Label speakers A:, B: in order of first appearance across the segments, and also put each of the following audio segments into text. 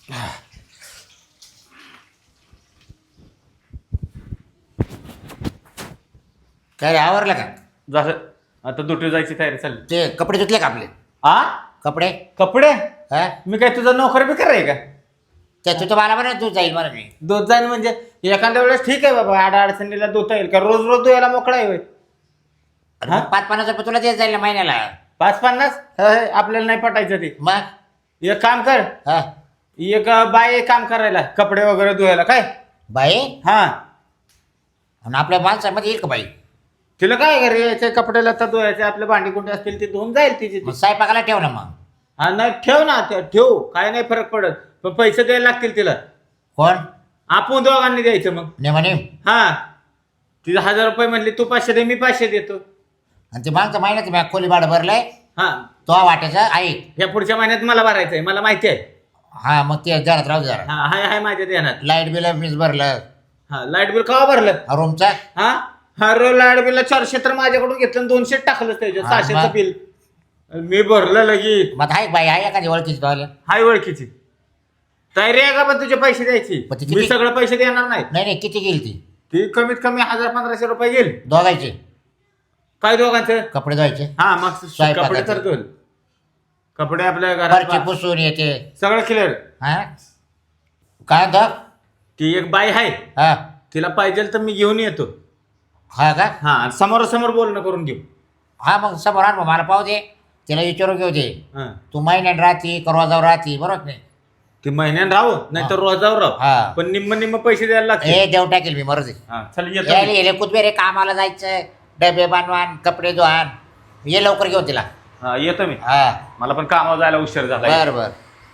A: काय रे आवरलं का?
B: जसं आता दुटी जायची तयारी चालली.
A: ते कपडे धुतले का आपले
B: आ
A: कपडे?
B: कपडे
A: हा
B: मी काय तुझा नोकर बिकर आहे का?
A: त्या तू तर मला म्हणा तू जाईल मला मी.
B: दूध जाईन म्हणजे एखाद्या वेळेस ठीक आहे बाबा, अडचणीला धुता येईल का? रोज रोज धुयाला मोकळा आहे होय.
A: अरे
B: हा?
A: मग 5-50 रुपये तुला देत जाईल ना महिन्याला.
B: 5-50 आपल्याला नाही पटायचं ते.
A: मग
B: एक काम कर,
A: हा
B: एक बाई आहे काम करायला, कपडे वगैरे धुवायला काय.
A: बाई
B: हा
A: आणि आपल्या माणसामध्ये येईल का बाई?
B: तिला काय घरी यायचे कपडे लत्ता धुवायचे, आपले भांडी कुंडे असतील ते धुवून जाईल तिची ती.
A: मग स्वयंपाकाला ठेव ना मग.
B: हा नाही ठेव ना, ठेवू काय नाही फरक पडत, पण पैसे द्यायला लागतील तिला.
A: कोण?
B: आपण दोघांनी द्यायचं मग.
A: नेमानेम.
B: हा तिला 1000 रुपये म्हणले, तू 500 दे, मी 500 देतो.
A: आणि ते मागच्या महिन्यात मी खोली भाडं भरलंय
B: हा
A: तो वाटायचा आहे.
B: या पुढच्या महिन्यात मला भरायचंय, मला माहिती आहे.
A: हा मग ते घरात राहू दे जरा.
B: हा हाय हाय माझ्या ध्यानात.
A: लाईट बिल मीच भरलं.
B: हा लाईट बिल केव्हा भरलं?
A: रूमचा
B: हा हा लाईट बिल 400 तर माझ्याकडून घेतलं आणि 200 टाकलं त्याच्यात.
A: हा,
B: 600चं
A: मग?
B: बिल मी भरलं लगेच.
A: मग आहे बाई आहे एखादी ओळखीची तो आलं.
B: हाय ओळखीची. तयारी आहे का पण तुझे पैसे द्यायची?
A: पण ती
B: मी
A: किती-
B: सगळे पैसे देणार नाही.
A: नाही नाही किती गेली ती?
B: ती कमीत कमी 1000-1500 रुपये गेल.
A: दोघायचे
B: काय दोघांचं?
A: कपडे धुवायचे
B: हा मग
A: स्वयंपाकाचं.
B: कपडे तर धुल. कपडे आपल्या
A: फरची
B: घरात
A: पुसून येते.
B: सगळं क्लिअर.
A: हा काय होतं?
B: ती एक बाई आहे,
A: हा
B: तिला पाहिजे तर मी घेऊन येतो.
A: हा का?
B: हा समोरासमोर बोलणं करून घेऊ.
A: हा मग समोर आण मग मला पाहू दे. तिला विचारून घेऊ दे.
B: हा
A: तू महिन्यात राहती करवाजावर राहती बरोबर नाही?
B: ती महिन्यानं राहू नाही तर रोजावर
A: हा.
B: राहू, पण निम्म पैसे द्यायला लागतील.
A: हे देव टाकेल मी मरू दे.
B: हा चल येतो
A: यायला
B: मी.
A: येले कुठबे कामाला जायचं डबे बनवान कपडे धुवान. ये लवकर घेऊ तिला.
B: हा येतो मी.
A: हा
B: मला पण कामावर जायला उशीर झाला.
A: बर बर.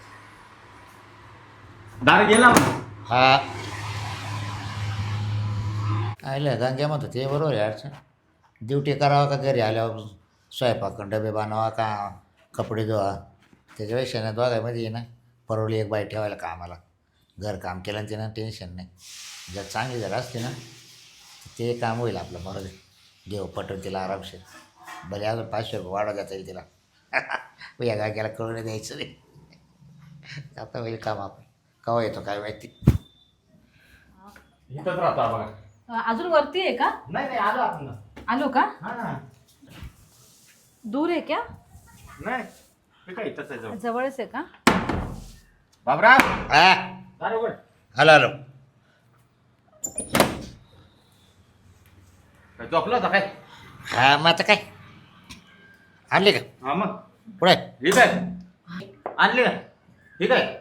B: दार गेला मग.
A: हा आयलं गंगे म्हणतो ते बरोबर आहे अडचण. ड्युटी करावं का घरी आल्यावर स्वयंपाक डबे बनवा का कपडे धुवा. त्याच्यापेक्षा ना दोघांमध्ये ना परवली एक बाई ठेवायला कामाला. घर काम केलं आणि तिनं टेन्शन नाही. जर चांगली जर असते ना ते काम होईल आपलं बरोबर. देव पटवून तिला आरामशीर. भले अजून 500 रुपये वाढवा देता येईल तिला. या गाग्याला कळून द्यायचं नाही. आता होईल काम आपण. केव्हा येतो काय माहिती.
B: इथंच राहतो बघा.
C: अजून वरती आहे का?
B: नाही नाही आलो आपण.
C: आलो का?
B: हा
C: दूर आहे क्या?
B: नाही मी काय इथंच आहे जवळ.
C: जवळच आहे का?
B: बाबरा
A: हा
B: दार उघड.
A: Hello hello.
B: काय झोपला होता काय?
A: हा मग आता काय आणली का
B: हा मग
A: पुढे?
B: ठीक आहे. आणली का? ठीक आहे.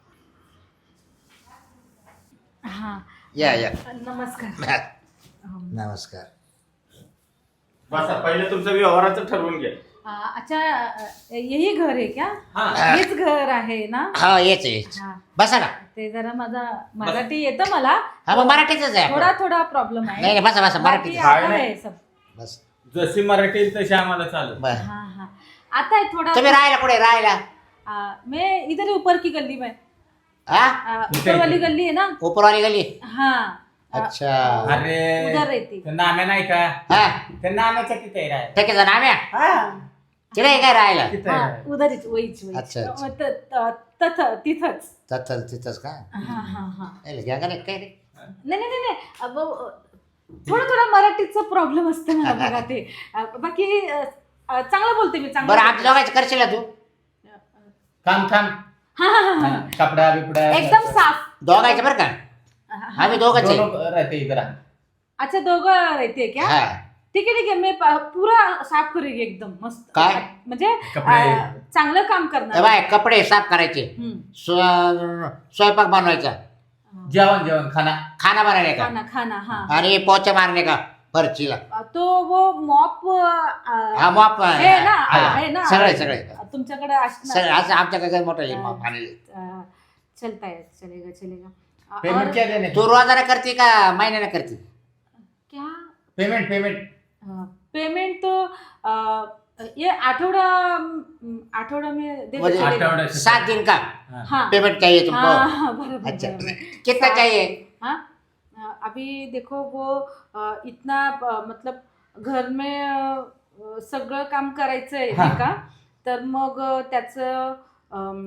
C: हा
A: या या.
C: नमस्कार.
A: नमस्कार.
B: बसा पहिले तुमचं व्यवहाराचं ठरवून घ्या.
C: अच्छा यही घर आहे क्या?
B: हा
C: हेच घर आहे ना?
A: हा येच येच.
C: हा.
A: बसा ना.
C: ते जरा माझा मराठी येतं मला.
A: हा मग मराठीच आहे
C: थोडा
A: आपलं.
C: थोडा प्रॉब्लेम
A: नाही
C: आहे.
A: नाही बसा बसा
C: बाकी
A: मराठीच.
C: आता
B: नाही.
C: आहे सब.
A: बस
B: जशी मराठी येईल तशी आम्हाला चालत.
A: बर.
C: हाँ हाँ आता है थोड़ा.
A: तुम्ही राहायला कुठे राहायला?
C: मैं इधर ही ऊपर की गली में.
A: हा
C: ऊपर वाली गली है ना?
A: उपरवाली गली.
C: हाँ
A: अच्छा.
B: अरे
C: उधर रहती.
B: ते नाम्या नाही का?
A: हा
B: ते नाम्याच्या तिथे राह.
A: ठेकेचा नाम आहे.
B: हा
A: तिला हे काय राहायला?
B: तिथे
C: हाँ
B: राह.
C: उधरच वहीच वहीच.
A: अच्छा, अच्छा.
C: तिथंच.
A: तत्तर तिथंच का?
C: हाँ हाँ हाँ.
A: घ्या का नाही काय रे?
C: नाही नाही नाही नाही. थोडा थोडा मराठीचा प्रॉब्लेम असतो मला बघा ते. बाकी चांगलं बोलते मी चांगलं.
A: बरं आमच्या दोघांचं करशील ना तू?
B: थांब थांब.
C: हाँ हाँ हाँ.
B: हा, कपडा बिपडा
C: एकदम साफ.
A: दोघांचं बरं का? आम्ही दोघंच आहे.
B: दोनों रहते इधर.
C: अच्छा दोघं रहते क्या?
A: हा
C: ठीक आहे मैं पूरा साफ करेगी एकदम मस्त.
A: काय?
C: म्हणजे
B: कपडे.
C: चांगलं काम
A: ए
C: करणार.
A: बाय कपडे साफ करायचे.
C: हम्म.
A: स्वयंपाक बनवायचा.
B: जेवण खाना.
A: खाना बनाने का
C: खाना खाना हाँ.
A: आणि पोचा मारणे का फरचीला.
C: तो वो मॉप
A: हा मॉप
C: है ना
A: हा,
C: है ना
A: सगळे सगळे
C: तुमच्याकडे
A: सगळे
C: असणार.
A: असं आमच्याकडे काय मोठं आहे मॉप आणले.
C: चलता है चलेगा चलेगा.
B: पेमेंट
C: और
B: क्या देने?
A: तू रोजाने करते का महिन्याने करते?
C: क्या
B: पेमेंट पेमेंट.
C: पेमेंट तो ये आठवडा में दे
A: म्हणजे
C: चलेगा.
B: आठवड्यात.
A: 7 दिन का
C: हाँ
A: पेमेंट चाहिए तुमको?
C: हाँ हाँ, बराबर
A: अच्छा
C: बराबर.
A: कितना चाहिए?
C: हाँ अभी देखो वो इतना मतलब घर में सगळं काम करायचं आहे
B: हा.
C: नाही का? तर मग त्याचं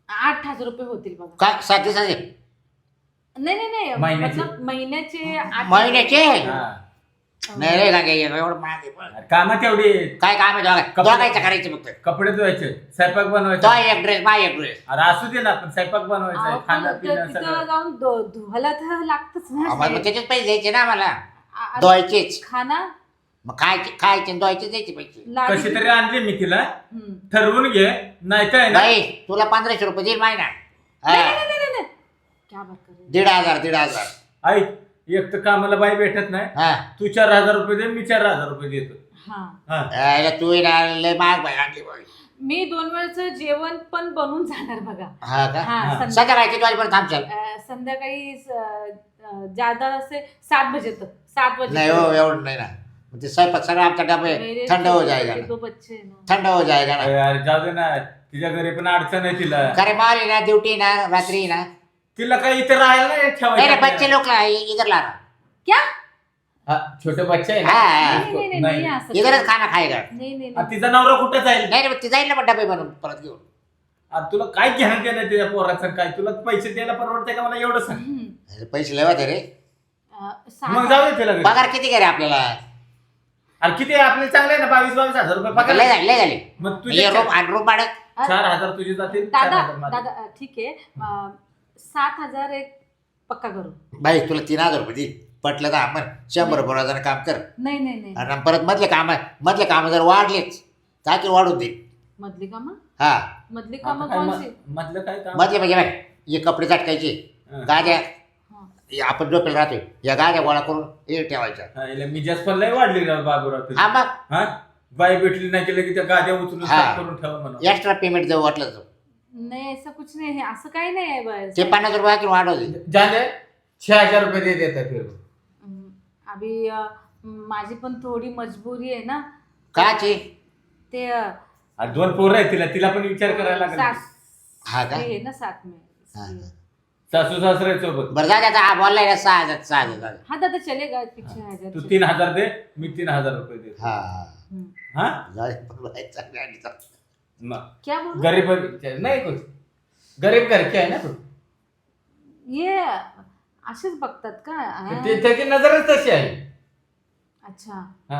C: 8,000 रुपये होतील बघा.
A: काय 7 दिवसाचे
C: नाही नाही नाही
B: महिन्याचे?
C: मतलब महिन्याचे 8,000.
A: महिन्याचे?
B: हा.
A: नाही रे गागे एवढं महाग आहे पण.
B: कामं तेवढी
A: काय काम आहे दोघायचं करायचं फक्त.
B: कपडे धुवायचे, स्वयंपाक
A: तो
B: बनवायचा.
A: एक ड्रेस मा एक ड्रेस.
B: अरे असू दे ना, पण स्वयंपाक बनवायचा
C: अहो,
B: आहे,
C: पण
B: खाणं पिणं
C: तिथं
B: सगळं.
C: जाऊन धुवायला तर लागतच ना.
A: आम्हाला मग त्याचेच पैसे द्यायचे ना आम्हाला.
C: आ-
A: धुवायचेच.
C: खाना
A: मग खायचे आणि धुवायचे द्यायचे पैसे.
C: लाडी
B: कशी तरी आणली मी तिला,
C: हम्म.
B: ठरवून घे. नाही काय ना,
A: नाही तुला 1500 रुपये देईल महिना.
C: नाही, नाही, नाही, नाही, नाही. क्या बात कर रहे हो?
A: 1,500.
B: ऐक, एक तर कामाला बाई भेटत नाही.
A: हा
B: तू 4,000 रुपये दे, मी 4,000 रुपये देतो.
C: हा.
B: हा.
A: यायला तू येणार लय महाग बाई आणली बाई.
C: मी 2 वेळचं जेवण पण बनवून जाणार बघा.
A: हा का
C: हा
B: हा.
A: संध्याकाळी किती वाजेपर्यंत थांबशाल?
C: संध्याकाळी ज्यादा असे 7 बजे तक 7 बजे
A: नाही हो एवढं नाही ना. मग ते स्वयंपाक सगळं आमचा डबे
C: मेरे
A: थंड हो जाएगा
C: छोटे
A: ना.
C: 2 बच्चे हैं ना.
A: थंड हो जाएगा ना.
B: अरे जाऊ दे ना, तिच्या घरी पण अडचण आहे तिला.
A: खरे माल ना ड्युटी ना रात्री ना.
B: तिला काही इथे राहायला नाही
A: नहीं
B: ठेवायचं.
A: बच्चे लोग इधर ला रहा.
C: क्या?
B: हा, छोटे बच्चे आहे ना.
A: हाँ
C: नहीं नहीं नहीं
B: नाही.
C: नहीं आ सकते.
A: इधरच खाना खाएगा.
C: नहीं नहीं
B: आ,
C: नहीं.
B: तिचा नवरा कुठे जाईल?
A: नाही रे ती जाईल ना मग डबे बनवून परत घेऊन.
B: आ, तुला काय घेणं देणं तिच्या पोराचं काय? तुला पैसे द्यायला परवडतंय का मला एवढं सांग.
C: हम्म.
A: अरे पैसे लेवायचे रे.
B: मग जाऊ दे तिला घरी.
A: पगार किती करे आपल्याला?
B: अरे किती आहे? आपले चांगले आहे ना, 22,000 रुपये पगार.
A: लय झाले लय झाले.
B: मग तुझे
A: ये रूम आणि रूम भाडं
B: 4,000 तुझे जातील,
C: दादा
B: 4,000 माझे.
C: दादा ठीक आहे 7,000 एक पक्का करू.
A: भाई तुला 3,000 रुपये दे. पटलं तर आपण 100 रुपये काम कर.
C: नाही नाही नाही.
A: आणि परत मधले काम जर वाढलेच ताकी वाढून दे.
C: मधली कामं
A: हा
C: मधली
B: आता
C: कामं
B: काय
C: कोणची?
B: मधलं काय काम?
A: मधले म्हणजे बाय हे कपडे चटकायचे
B: हा.
A: गाद्या
C: हा.
A: हे आपण झोपेल राहतोय या गाद्या गोळा करून हे ठेवायच्या.
B: हा, याला मी जास्त पण लय वाढली ना बाबूराव तुझी.
A: हा मग
B: हा, बाई भेटली नाही केलं की त्या गाद्या उचलून
A: हा.
B: साफ करून ठेवा म्हणून.
A: एक्स्ट्रा पेमेंट देऊ वाटलं तर.
C: नाही ऐसा कुछ नहीं है. असं काही नाही आहे बस.
A: ते 50 रुपये किंवा वाढव दे.
B: जाने 6,000 रुपये दे देतात फिर.
C: अभी माझी पण थोडी मजबुरी आहे ना.
A: काची
C: ते
B: अरे 2 पोरं आहेत तिला पण विचार करायला लागेल.
A: हा का?
C: आहे ना साथ में
A: हा,
C: इसलिए.
A: हा.
B: सासू सासरे सोबत.
A: बरं जा आता हा बोललाय ना 6,000.
C: हाँ दादा चलेगा पीछे आ
B: तू
C: जाए.
B: 3,000 दे, मी 3,000 रुपये देतो.
A: हा
B: हा,
A: जाऊ दे, बरोबर आहे, चांगलं आहे, चांगलं.
B: मग
C: क्या बोल
B: गरीब नाही कुछ गरीब घर के आहे ना तू.
C: ये असेच बघतात का हा?
B: त्याची नजरच तशी आहे.
C: अच्छा.
B: हा,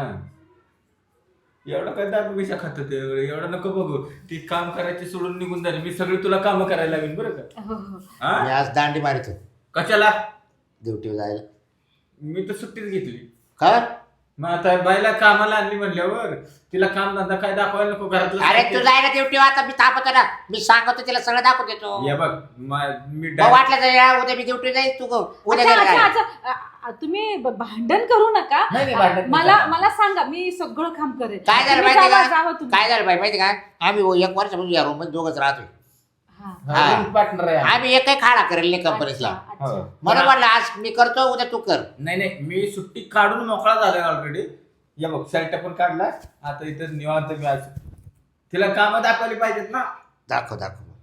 B: एवढं काय दारू विषय खात ते एवढं नको बघू. ती काम करायची सोडून निघून झाली. मी सगळी तुला काम करायला लागेल बरं का.
C: हो हो.
B: हा,
A: मी आज दांडी मारितो
B: कशाला?
A: ड्युटीवर जायला.
B: मी तर सुट्टीच घेतली.
A: का?
B: मग आता बाईला कामाला आणली म्हणल्यावर तिला काम धंदा काय दाखवायला नको घरातलं.
A: अरे तू जायला ड्युटीवर आता मी थांबतो ना. मी सांगतो तिला सगळं दाखवून देतो.
B: हे बघ मी
A: मग वाटलं तर या उद्या मी ड्युटी जाईल तू उद्या
C: अच्छा
A: घरी
C: अच्छा
A: राह.
C: अच्छा तुम्ही भांडण करू नका.
B: नाही, नाही, भांडण
C: मला
B: नाही.
C: मला सांगा मी सगळं काम करेन.
A: काय झालं
C: तुम्ही
A: माहिती
C: जावा,
A: का?
C: जावा तुम्ही.
A: काय झालं माहिती का? आम्ही 1 वर्षापासून या रूम मध्ये दोघच राहतोय.
C: हा.
A: हा.
B: पार्टनर आहे.
A: आम्ही एकही खाडा करेल नाही कंपनीला.
C: अच्छा, अच्छा.
B: हो.
A: मला वाटलं आज मी करतो उद्या तू कर.
B: नाही मी सुट्टी काढून मोकळा झालोय ऑलरेडी. या बघ शर्ट पण काढला. आता इथं निवांत मी आज तिला कामं दाखवली पाहिजेत ना.
A: दाखव.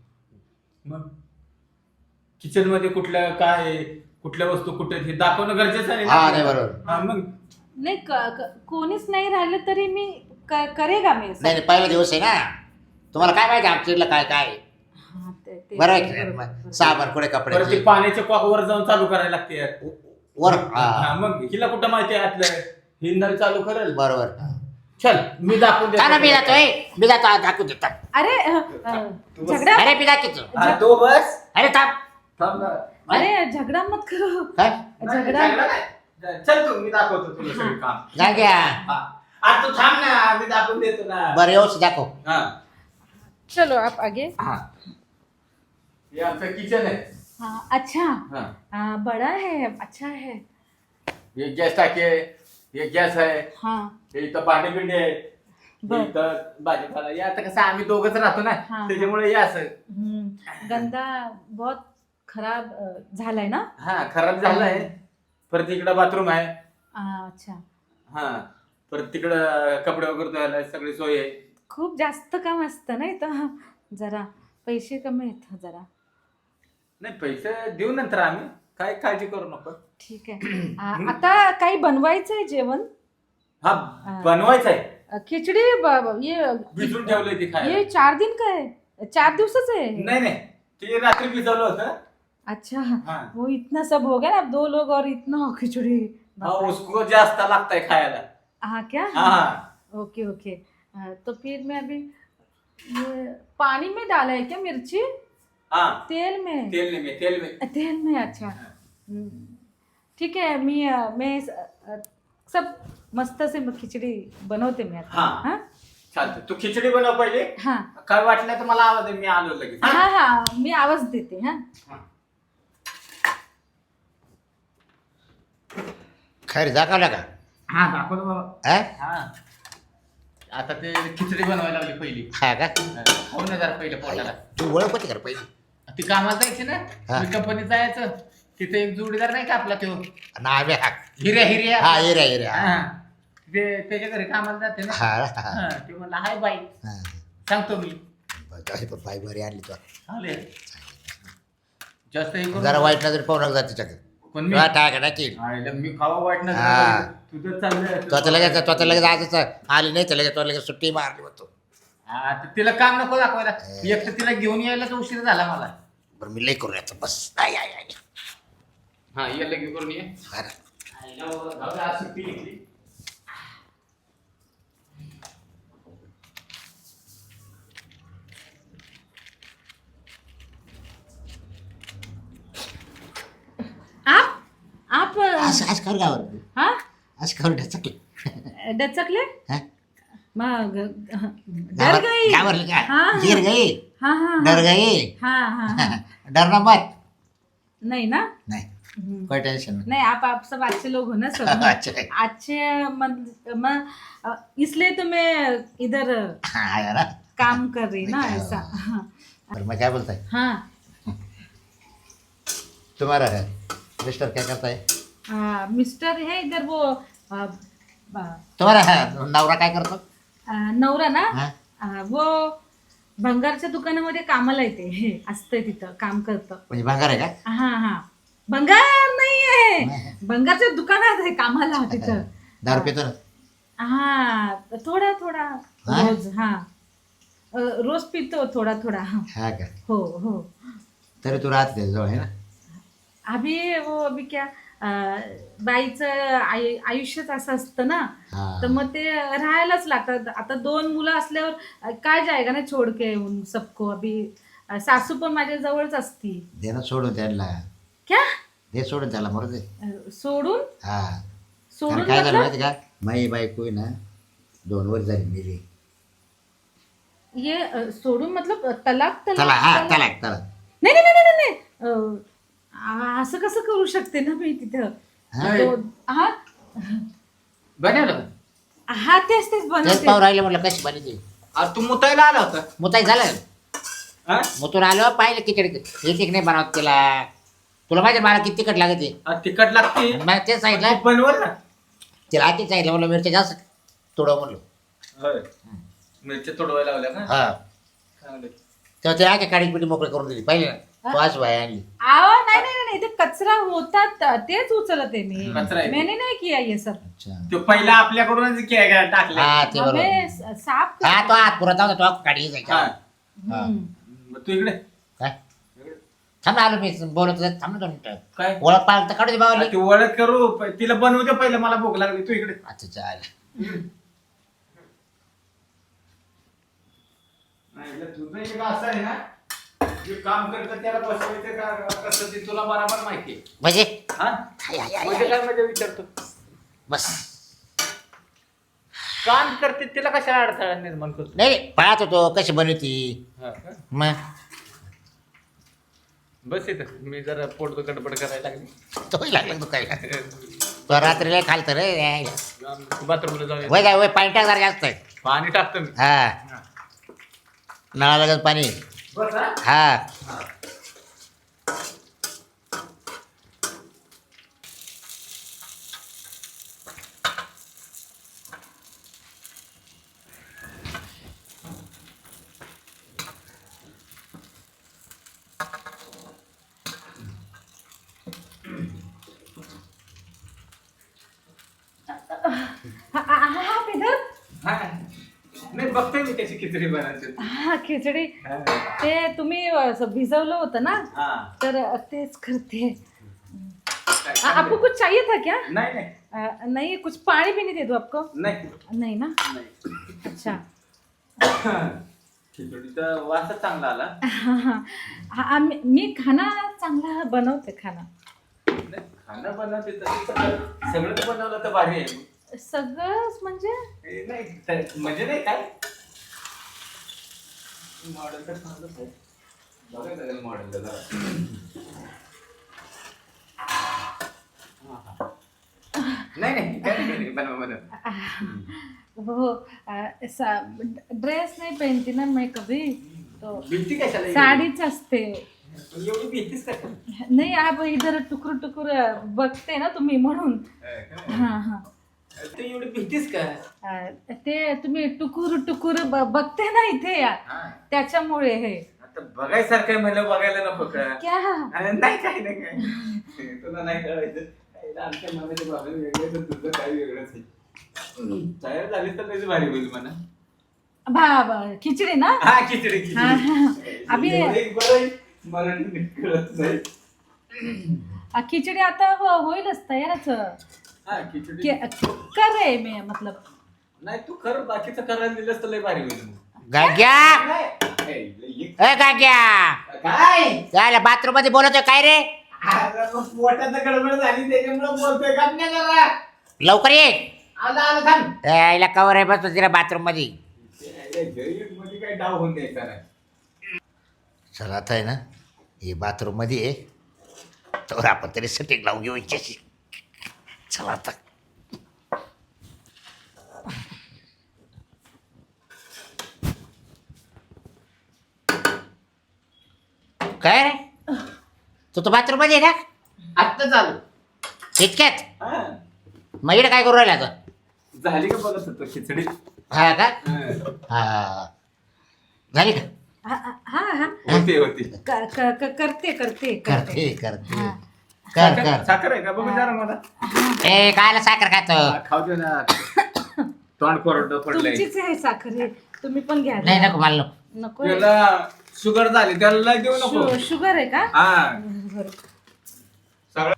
B: मग किचन मध्ये कुठल्या काय आहे, कुठल्या वस्तू कुठे आहेत हे दाखवणं गरजेचं आहे
A: हा
B: ना.
A: नाही बरोबर.
B: हा, मग
C: नाही कोणीच नाही राहिलं तरी मी करेगा मी
A: नाही पहिला दिवस आहे ना. तुम्हाला काय माहिती आमच्या काय काय आहे?
C: हा, ते-
A: बरं आहे की
C: बरोबर,
A: नाही?
C: बरोबर.
A: साबण कुठे
B: परत
A: कपड्याचे
B: ते पाण्याच्या कॉक वर जाऊन चालू करायला लागते यार.
A: वर
B: हा, मग हिला कुठं माहिती आहे आतलं ही नळ चालू करेल.
A: बरोबर.
B: चल मी दाखवून
A: का ना मी
B: देतो.
A: जातोय. मी जातो आज दाखवून देतो.
C: अरे
B: तू बस.
C: झगडा
A: अरे मी दाखवतो.
B: हा, तो बस.
A: अरे थांब.
B: थांब ना.
C: अरे झगडा मत करो.
A: काय
B: नाही,
C: झगडा
B: झगडा नाही. चल तू मी दाखवतो तुला सगळं काम.
A: जा घ्या.
B: हा. आ, तू थांब ना मी दाखवून देतो ना.
A: बरं व्यवस्थित दाखव.
B: हा.
C: चलो आप आगे.
B: हा. हे आमचं किचन आहे.
C: हाँ अच्छा.
B: हा.
C: बड़ा है अच्छा है.
B: हे गॅस टाके, हे गॅस आहे,
C: हाँ
B: हे इथं भांडे बिंडे आहे, हे
C: बर.
B: इथं भाजीपाला. हे आता कसं आम्ही दोघच राहतो ना
C: हा.
B: त्याच्यामुळे हे असं.
C: गंदा बहुत खराब झालाय ना.
B: हा खराब झालाय. परत इकडं बाथरूम आहे.
C: अच्छा.
B: हा परत तिकडं कपडे वगैरे धुवायला सगळी सोय आहे.
C: खूप जास्त काम असतं नाही तर जरा पैसे कमी आहेत जरा.
B: नाही पैसे देऊ नंतर आम्ही. काय काळजी करू नको.
C: ठीक आहे. आता काही बनवायचंय जेवण.
B: हा बनवायचं आहे.
C: खिचडी ये
B: भिजून ठेवलंय ते खायला.
C: ये 4 दिन का है. 4 दिवसाच आहे.
B: नाही ते रात्री भिजवलं होतं.
C: अच्छा
B: हाँ।
C: वो इतना सब हो गया ना, अब 2 लोग और इतना खिचड़ी।
B: हाँ, उसको जास्त लगता है खायला.
C: हाँ क्या?
B: हाँ.
C: Okay okay. तो फिर मैं अभी ये पानी में डाला है क्या मिर्ची?
B: हाँ,
C: तेल में?
B: तेल में.
C: तेल में, अच्छा। ठीक आहे, मी सब मस्त से खिचडी बनवते मी आता.
B: हाँ.
C: हाँ
B: चालतं. तू खिचडी बनव पहिले.
C: हाँ
B: काय वाटलं तर मला आवाज दे, मी आलो लगेच.
C: हाँ हाँ, मी आवाज देते. हाँ
A: खैर दाखवला का?
B: हा, दाखवलं बाबा.
A: हा?
B: हा. आता ते खिचडी बनवायला लागली पहिली.
A: हा का?
B: खाऊ ना जरा पहिलं पोटाला.
A: तू ओळख होती का रे पहिली?
B: ती कामाला जायची ना,
A: हा.
B: मी कंपनीत जायचं. तिथे एक जोडीदार नाही का आपला तो
A: नावे हा
B: हिर्या.
A: हा एरिया
B: हा. ते त्याच्या घरी कामाला जाते ना.
A: हा हा
B: हा, ते म्हणला हाय बाई,
A: हा.
B: सांगतो मी.
A: बरं, पण बाई बरी आणली तू
B: चालेल. जास्त हे करू
A: जरा
B: नका.
A: वाईट नजर पाहू नका जा तिच्याकडे.
B: पण मी
A: तुला टाका टाकील.
B: आईला मी खावा वाईट ना
A: हा.
B: तुझं चाललंय.
A: तो आता लगेच आजच आली नाही तर लगेच तो लगेच सुट्टी मारली होतो.
B: हा, तर तिला काम नको दाखवायला. एक तर तिला घेऊन यायलाच उशीर झाला मला.
A: बरं मी लई करू याचं बस आय आय आय
B: हा, ये लगेच करून ये.
A: बरं.
B: आईला जाऊ दे, आज सुट्टी घेतली.
C: आप
A: आज कर गावर
C: हाँ
A: आज कर ढचकले
C: डचकले?
A: हा?
C: मग डर गई?
A: घाबरली का?
C: हाँ
A: गिर गई
C: हाँ हाँ
A: डर गई
C: हाँ हाँ हाँ.
A: डरना मत
C: नहीं ना?
A: नहीं कोई टेंशन नहीं.
C: नहीं, आप सब अच्छे लोग हो ना सब.
A: अच्छा
C: अच्छे इसलिए तो मैं इधर
A: हाँ आया ना.
C: काम कर रही ना
A: नहीं,
C: ऐसा. हाँ
A: पर मैं क्या बोलता है
C: हाँ.
A: तुम्हारा है मिस्टर क्या करता है?
C: मिस्टर है इधर वो
A: तुम्हारा है नवरा काय करतो?
C: नवरा ना,
A: हा?
C: वो भंगारच्या दुकानामध्ये कामाला येते. हे असतंय तिथं, काम करतं.
A: म्हणजे भांगार आहे का?
C: हा हा. भंगार नाही आहे, भंगारच्या दुकानात आहे कामाला तिथं.
A: दारू पितो ना?
C: हा, थोडा थोडा
A: हा?
C: रोज. हा रोज पितो थोडा थोडा.
A: हा का?
C: हो हो.
A: तरी तू राहते त्याच्याजवळ आहे ना?
C: अभी क्या बाईचं आयुष्यच असं असतं ना,
A: हा.
C: तर मग ते राहायलाच लागतात. आता 2 मुलं असल्यावर काय जायगा ना छोड के उन सबको. अभी सासू पण माझ्या जवळच असती.
A: दे ना सोडून त्यांना.
C: क्या?
A: दे सोडून त्याला मरू दे.
C: सोडून?
A: हा
C: सोडून
A: कारण काय झालं
C: मतलब?
A: माहिती का? माई बायको आहे ना 2 वर्ष झाली मेली.
C: ये सोडून मतलब तलाक?
A: चला हा तलाक.
C: नाही नाही नाही नाही नाही. असं कसं करू शकते ना मी तिथं.
A: हा?
C: हा
B: बनवलं.
C: हा तेच
A: तेच
C: बनवते.
A: पाहू राहिले म्हटलं कशी बनी.
B: आज तू मुतायला आला होता.
A: मुताई झालं
B: हा?
A: मुतून आलो पाहिलं खिचडी एक नाही बनवत तिला. तुला माहिती मला किती तिखट लागते.
B: आज तिखट लागते.
A: मग तेच सांगितलं
B: बनवल ना.
A: तिला आधी सांगितलं म्हणलं मिरच्या जास्त थोडं म्हणलं.
B: होय. मिरच्या तोडवायला लावल्या का?
A: हा
B: चांगलं.
A: तेव्हा ते आगे काळी पिठी मोकळी करून दिली पाहिजे ना. वास बाय आणली.
C: आवा नाही नाही नाही, ते कचरा होतात तेच उचलते मी.
B: कचरा आहे.
C: मैंने नाही किया ये सब.
A: अच्छा
B: तो पहिला आपल्याकडूनच टाकले.
A: हा ते बरोबर.
C: हमें साफ कर.
A: हा तो हात पुरत होता तो काढी जायचा.
B: हा.
C: हम्म.
B: तू इकडे
A: काय थांब ना आलो मी बोलत होते. थांब ना 2 मिनिटं.
B: काय
A: ओळख पाळख तर काढू दे बावली.
B: ती ओळख करू तिला बनवू दे पहिलं. मला भूक लागली. तू इकडे.
A: अच्छा चालेल.
B: तुझं एक असं आहे ना, जे काम करतं त्याला बसवायचं का कसं ते तुला बरोबर माहिती आहे.
A: म्हणजे
B: हा? म्हणजे काय म्हणजे विचारतो.
A: बस
B: काम करते तिला कशाला अडथळा निर्माण करतो.
A: नाही नाही, पाहत होतो कशी बनवती.
B: हा का?
A: मग
B: बस इथं मी जरा पोट गडबड करायला लागली.
A: तोही लागला तू काय तो रात्रीला खाल तर रे.
B: बाथरूमला जाऊया.
A: वय काय वय पाणी टाक जरा जास्त आहे.
B: पाणी टाकतो मी.
A: हा नळाला लागत पाणी.
B: बस हा?
A: हा
C: आप इधर?
B: हा. नाही बघतोय मी त्याची खिचडी बनायची.
C: हा खिचडी ते तुम्ही असं भिजवलं होतं ना
B: हा.
C: तर तेच करते. आपको कुछ चाहिए था क्या?
B: नाही नाही
C: नहीं कुछ पानी भी नहीं दे दो आपको?
B: नाही
C: नहीं ना.
B: नाही.
C: अच्छा.
B: खिचडीचा वासच चांगला आला.
C: मी खाना चांगला बनवते खाना.
B: नाही, खाणं बनवते तर सगळं बनवलं तर भारी आहे.
C: सगळंच म्हणजे
B: नाही म्हणजे नाही काय मॉडेल तर चांगलंच आहे. बघायचं लागेल मॉडेलला जरा. नाही नाही काय नाही बनव बनव.
C: वो ड्रेस नहीं पहनती ना मैं कभी तो
B: भीती कशाला
C: साडीच असते.
B: एवढी भीतीच का?
C: नाही आप इधर टुकुर टुकुर बघते ना तुम्ही म्हणून. हा हा
B: तू एवढी भीतीच का?
C: ते तुम्ही टुकुर टुकुर बघते ना इथे या त्याच्यामुळे हे.
B: आता बघायसारखं म्हणलं बघायला नको का?
C: क्या?
B: नाही काय नाही काय तुला नाही कळायचं. आमच्या मनाचे प्रॉब्लेम वेगळे तर तुझं काही वेगळंच आहे. तयार झाली तर त्याची भारी होईल म्हणा.
C: खिचडी ना.
B: हा खिचडी
C: हाँ, हाँ. अभी
B: मराठी नीट कळत नाही.
C: खिचडी आता होईलच तयारच.
B: हा खिचडी
C: कर रहे मैं मतलब.
B: नाही तू कर बाकीचं करायला दिलंस तर लय भारी होईल.
A: गाग्या
B: नाही.
A: ए गाग्या
B: काय
A: काय बाथरूम मध्ये बोलतोय काय रे?
B: पोटात गडबड झाली त्याच्यामुळे बोलतोय का नाही जरा.
A: लवकर ये.
B: आलं आलं थांब.
A: यायला कवर आहे बस तिला बाथरूम मध्ये.
B: मध्ये काय डाव होऊन द्यायचा नाही.
A: चला आता आहे ना हे बाथरूम मध्ये आहे तर आपण तरी सेटिंग लावून घेऊ इच्छाशी. चला आता काय रे तू तर बाथरूम मध्ये आहे ना
B: आत्ता चालू
A: इतक्यात? मग इकडे काय करू राहिला आता?
B: झाली का बघत होतो खिचडी.
A: हा का? हा झाली का?
C: हा हा
B: होती होती.
C: करते करते
A: करते करते
C: हा.
A: कर कर.
B: साखर आहे का बघू जरा मला.
A: ए कायला साखर खातो?
B: खाऊ दे ना. तोंड कोरडं पडलंय.
C: तुमचीच आहे साखर हे. तुम्ही पण घ्या.
A: नाही नको मला नको.
C: नको.
B: त्याला शुगर झाली त्याला देऊ नको.
C: शुगर आहे का?
B: हा
C: बरं.
B: सगळं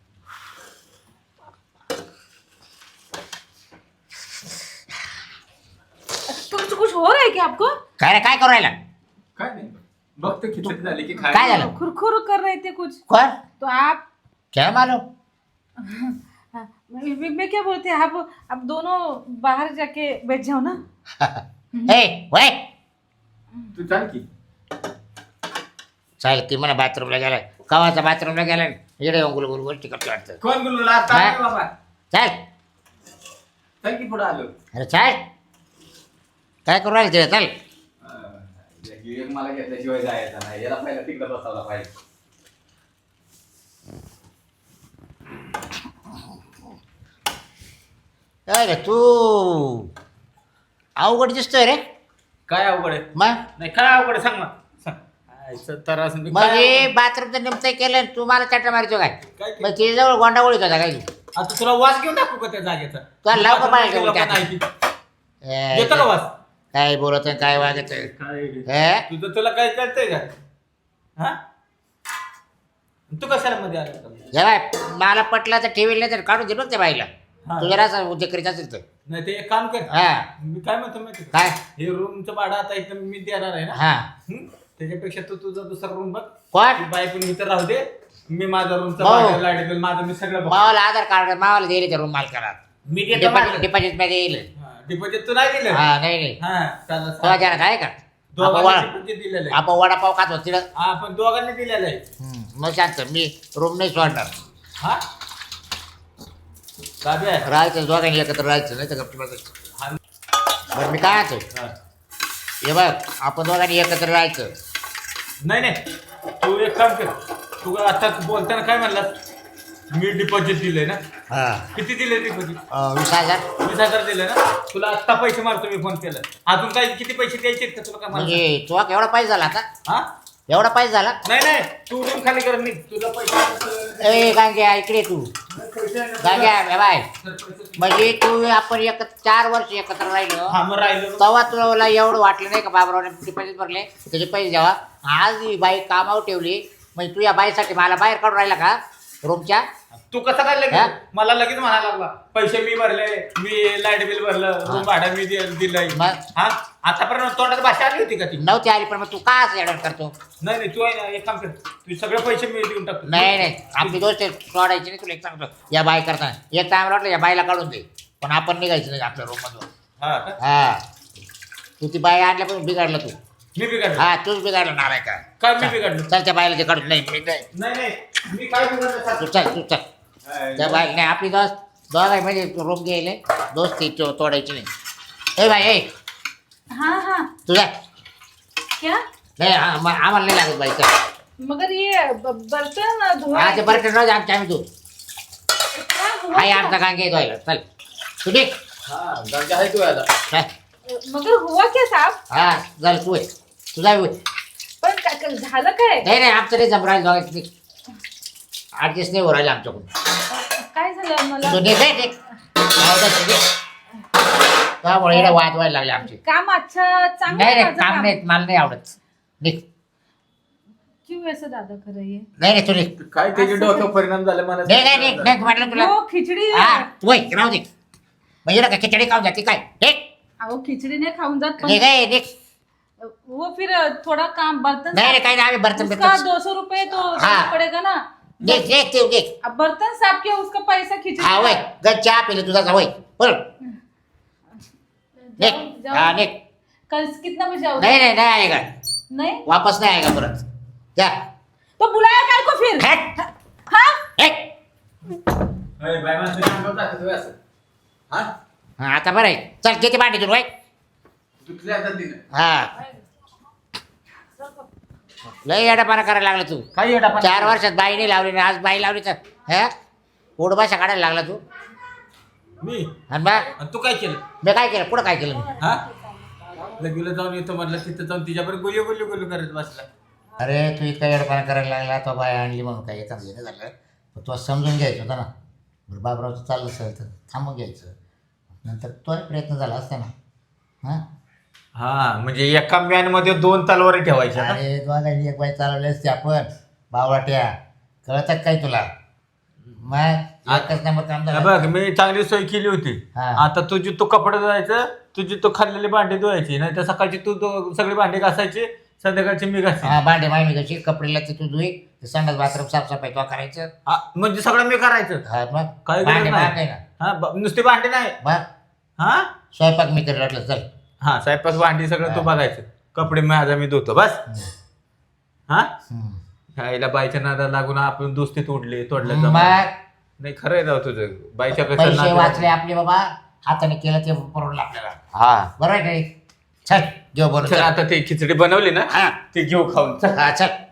C: तुमचं कुछ हो रहा है क्या आपको?
A: काय रे काय करू राहिला?
B: काय नाही बघतो खिचडी झाली की
A: काय
B: खाय.
A: झालं?
C: खुरखुर कर रहे थे कुछ
A: कोण?
C: तो आप.
A: क्या मालूम?
C: हाँ, मैं क्या बोलते हैं आप दोनों बाहर जाके बैठ जाओ ना.
A: ए वय
B: तू चाल की.
A: चालेल ती म्हणा बाथरूमला गेलाय कवाचा बाथरूमला गेलाय इकडे येऊन गुलगुल गोष्टी करतो वाटतं.
B: कोण बोलला आता
A: हा?
B: बाबा
A: चल
B: चल की पुढे आलो.
A: अरे चाल काय करू राहिलं तिला चल.
B: एक मला घेतल्याशिवाय जायचं नाही. याला पहिला तिकडे बसावला पाहिजे.
A: काय रे तू अवघड दिसतोय रे.
B: काय अवघड आहे?
A: मग
B: नाही काय अवघड आहे सांग ना सांग. आयचं तर असं मी
A: मग
B: काय
A: हे
B: अवघड?
A: बाथरूमचं निमतं केलं तू मला चाटा मारतो काय?
B: काय
A: मग तिच्याजवळ गोंडागोळीत होता काय?
B: आता तुला वास घेऊन टाकू का त्या जागेचा?
A: तुला लाव का बाहेर घेऊन
B: लोकांना
A: टाक.
B: ऐकी. येतो का वास?
A: काय बोलत काय वागत
B: काय तुझं तुला काय कळतंय का? हा तू कशाला मध्ये आला?
A: जेव्हा मला पटलं तर ठेवील नाही तर काढून दे बघ त्या बाईला.
B: हा.
A: तू जरा असं उद्योग करीत असेल तर
B: नाही ते एक काम कर.
A: हा
B: मी काय म्हणतो माहिती का?
A: काय
B: हे रूमचं भाडं आता इथं मी देणार आहे ना.
A: हा
B: हं? त्याच्यापेक्षा तू तुझा दुसरा रूम बघ.
A: कोण?
B: ती बाई पण इथं राहू दे. मी माझा रूमचा
A: भाऊ.
B: भाडं लाईट बिल माझं मी सगळं बघ.
A: मावाला आधार कार्ड मावाला दिले त्या रूम मालकाला
B: मी देतो माझं.
A: डिपॉझिट मध्ये येईल.
B: डिपॉझिट तू नाही दिलं.
A: हा नाही नाही
B: हा चालेल,
A: तो
B: चालेल.
A: जरा काय का
B: दोघांनी deposit दिलेलं आहे.
A: आपण वडापाव खात होत तिला.
B: हा पण दोघांनी दिलेलं आहे.
A: मग शांत मी रूम नाही सोडणार.
B: हा काव्य आहे.
A: राहायचं दोघांनी एकत्र राहायचं नाही तर गप्प बसायचं.
B: हा.
A: बरं मी काय म्हणतो
B: हा.
A: हे बघ आपण दोघांनी एकत्र राहायचं.
B: नाही नाही तू एक काम कर. तू आता बोलताना काय म्हणलास? मी डिपॉझिट दिले ना.
A: हा
B: किती दिले डिपॉझिट?
A: 20,000
B: 20,000 दिले ना. तुला आत्ता पैसे मारतो मी फोन केला. अजून काही किती पैसे द्यायचे आहेत का तुला काय मला?
A: म्हणजे तुला केवढा पैसा झाला आता?
B: हा
A: एवढा पैसा झाला?
B: नाही नाही तू रूम खाली कर नाही तुला पैसे
A: ए गांग्या इकडे तू. गांग्या बाय म्हणजे तू आपण 4 वर्ष एकत्र राहिलो.
B: हा मग राहिलो
A: तेव्हा तुला एवढं वाटलं नाही का बाबरावने किती पैसे भरले त्याचे पैसे द्यावा. आज ही बाई कामावर ठेवली म्हणजे तू या बाईसाठी मला बाहेर काढून राहिला का रूमच्या?
B: तू कसं काय
A: हा?
B: लगेच मला लगेच म्हणायला लागला पैसे मी भरले मी लाईट बिल भरलं रूम भाडं मी दिलंय.
A: मग?
B: हा आतापर्यंत तोंडात भाषा आली होती का ती?
A: नव्हती आली पण मग तू का असं ऍडवट करतो?
B: नाही नाही तू आहे ना एक काम कर तू सगळे पैसे मी देऊन टाकतो.
A: नाही नाही आपली गोष्ट सोडायची नाही. तुला एक सांगतो या बाई करताना एक टाइम वाटलं या बाईला काढून दे पण आपण निघायचं नाही आपल्या रूम मधून.
B: हा का?
A: हा तू ती बाई आणल्यापासून बिघडलं तू.
B: मी बिघडलो
A: हा तूच बिघडलं नाराय का?
B: काय मी बिघडलो?
A: चल त्या बाईला ते काढून नाही मी नाही.
B: नाही नाही मी काय बिघडलो
A: तू चल त्या बाई नाही आपली दोघाई म्हणजे रूम गेले दोस्ती तोडायची नाही. ए बाई ए
C: हाँ हाँ
A: तुझा
C: क्या
A: नाही आम्हाला नाही लागत बाई चल.
C: मगर ये बर्तन धोआ
A: हा ते बरं राहू दे आमच्या आम्ही तू
C: क्या हुआ
A: हाय
C: क्या?
A: आमचा गांगे धुवायला चल तू निघ.
B: हा गंगा आहे तू आता
A: चल.
C: मगर हुआ क्या साहब?
A: हा झालं तू आहे तुझा होय.
C: पण झालं काय?
A: नाही नाही आमचं नाही जमरायला दोघांचं नाही ॲडजस्ट नाही हो राहिलं आमच्याकडून.
C: काय झालं मला?
A: तू निघ रे, निघ. त्यामुळे इकडे वाद व्हायला लागले आमचे.
C: काम अच्छा चांगलं
A: नाही
C: आहे
A: नाही
C: माझं
A: काम नाही मला नाही आवडत. निघ.
C: क्यों ऐसा दादा कर रही है?
A: नाही नाही तू निघ.
B: काय त्याचे डोक्यावर परिणाम झाले मला
A: नाही नाही निघ नाही म्हटलं तुला.
C: वो खिचडी
A: हा तू होय राहू दे म्हणजे का खिचडी खाऊन जाते काय निघ.
C: वो खिचड़ी नहीं खाऊं जात
A: निघ ए, निघ.
C: वो फिर थोड़ा काम बर्तन
A: नाही रे काही नाही आम्ही बर्तन
C: उसका
A: बिर्तन
C: 200 रुपये तो
A: हाँ।
C: देना पड़ेगा ना.
A: निघ निघ तू निघ.
C: अब बर्तन साफ किया उसका पैसा खिचड़ी
A: हा होय
C: का.
A: गज चहा पिले तुझा होय बोल निघ.
C: जाओ,
A: हा
C: जाओ.
A: निघ.
C: कल कितना बजे आओगे?
A: नाही नाही नाही आएगा
C: नहीं
A: वापस नाही आएगा परत जा.
C: तो बुलाया काय को फिर?
A: हट
C: हाँ
A: हट.
B: अरे बाय माणसं काम करतात तुम्ही असं हा
A: हा आता बरं आहे चल किती भांडी तुला होय.
B: दुसऱ्या हातात दिलं
A: हा लय येडापाना करायला लागला तू.
B: काय येडा
A: 4 वर्षात बाई नाही लावली ना आज बाई लावली तर हा पोटभाषा काढायला लागला तू.
B: मी
A: आणि बा
B: आणि तू काय केलं
A: मी काय केलं पुढं काय केलं मी?
B: हा लगेच जाऊन येतो म्हटलं तिथं जाऊन तिच्याबरोबर गुल्ली करत बसला.
A: अरे तू इतका येडपाना करायला लागला तो बाई आणली म्हणून काय येतात घेणं झालं पण तुला समजून घ्यायचं होतं ना. बरं बाबरावचं चाललं असेल तर थांबून घ्यायचं नंतर तोही प्रयत्न झाला असता ना. हां
B: हा म्हणजे एका मॅन मध्ये 2 तलवारी ठेवायच्या ना?
A: अरे दोघांनी एक बाई चालवली असते आपण बावळाट्या कळतात काय तुला मग एकच नंबर काम
B: हे
A: झालं.
B: बघ मी चांगली सोय केली होती.
A: हा.
B: आता तुझी तू कपडे धुवायचं तुझी तू खाल्लेली भांडी धुवायची नाही तर सकाळची तू सगळी भांडी घासायची संध्याकाळची मी घासायची.
A: हा भांडे मांडणी कशी कपडेला ते तू धुई ते संडास बाथरूम साफसफाई तो करायचं.
B: हा, म्हणजे सगळं मी करायचं
A: हा मग
B: काही गरज
A: भांडे
B: नाही.
A: माग आहे ना
B: हा नुसती भांडी नाही
A: मग
B: हा
A: स्वयंपाक मी करेल वाटलं चल.
B: हा स्वयंपाक भांडी सगळं तू
A: हा.
B: बघायचं कपडे माझा मी धुतो बस. हा
A: हम्म.
B: खायला बाईच्या नादा लागून आपण दोस्ती तोडलं
A: मग
B: नाही खरं आहे राव तुझं बाईच्या
A: पैसे
B: कसं
A: वाचले आपले बाबा हाताने केलं ते परवडलं आपल्याला.
B: हा
A: बरोबर आहे का नाही? चल घेऊ
B: चल
A: बरोबर
B: आता ती खिचडी बनवली ना
A: हा
B: ती घेऊ खाऊन चल.
A: हा चल